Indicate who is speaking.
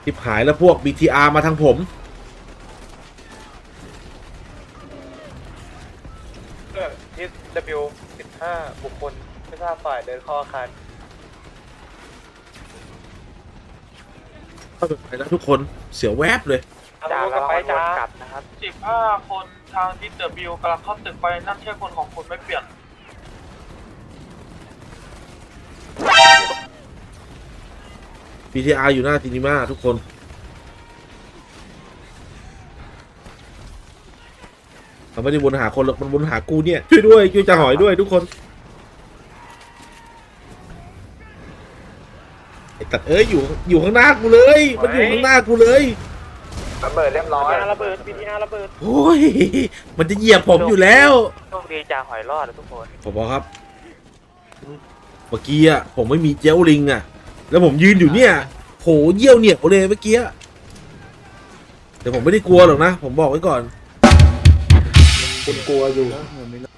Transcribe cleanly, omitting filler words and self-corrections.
Speaker 1: ทิบหายแล้วพวก BTR มาทางผม
Speaker 2: SW 15 บุคคลไม่ทราบฝ่ายเดินเข้าอาคาร
Speaker 1: เข้าไปแล้วทุกคนเสียวแวบเลย
Speaker 2: จ้าแล้วไปจ้ากลับนะครับ
Speaker 3: 15 คนทางทิศเดอะบิวกำลังเข้าตึกไปนั่นใช่คนของคุณไม่เปลี่ยน
Speaker 1: BTR อยู่หน้าซินิมาทุกคนมันไม่ได้วนหาคนหรอกมันวนหากูเนี่ยช่วยด้วยช่วยจ่าหอยด้วยทุกคนไอ้ตัดเอ้ยอยู่ข้างหน้ากูเลยมันอยู่ข้างหน้ากูเลย
Speaker 2: ระเบิดเรียบร้อยระเบิด BTR ระเบิด
Speaker 1: โอ้ยมันจะเหยียบผมอยู่แล้ว
Speaker 2: โชคดีจ่าหอยรอดทุกคน
Speaker 1: ผมบอกครับเมื่อกี้อะผมไม่มีเจลลิงอะแล้วผมยืนอยู่เนี่ยโหเยี่ยวเหนียวเลยเมื่อกี้แต่ผมไม่ได้กลัวหรอกนะผมบอกไว้ก่อน
Speaker 4: คุณกลัวอยู่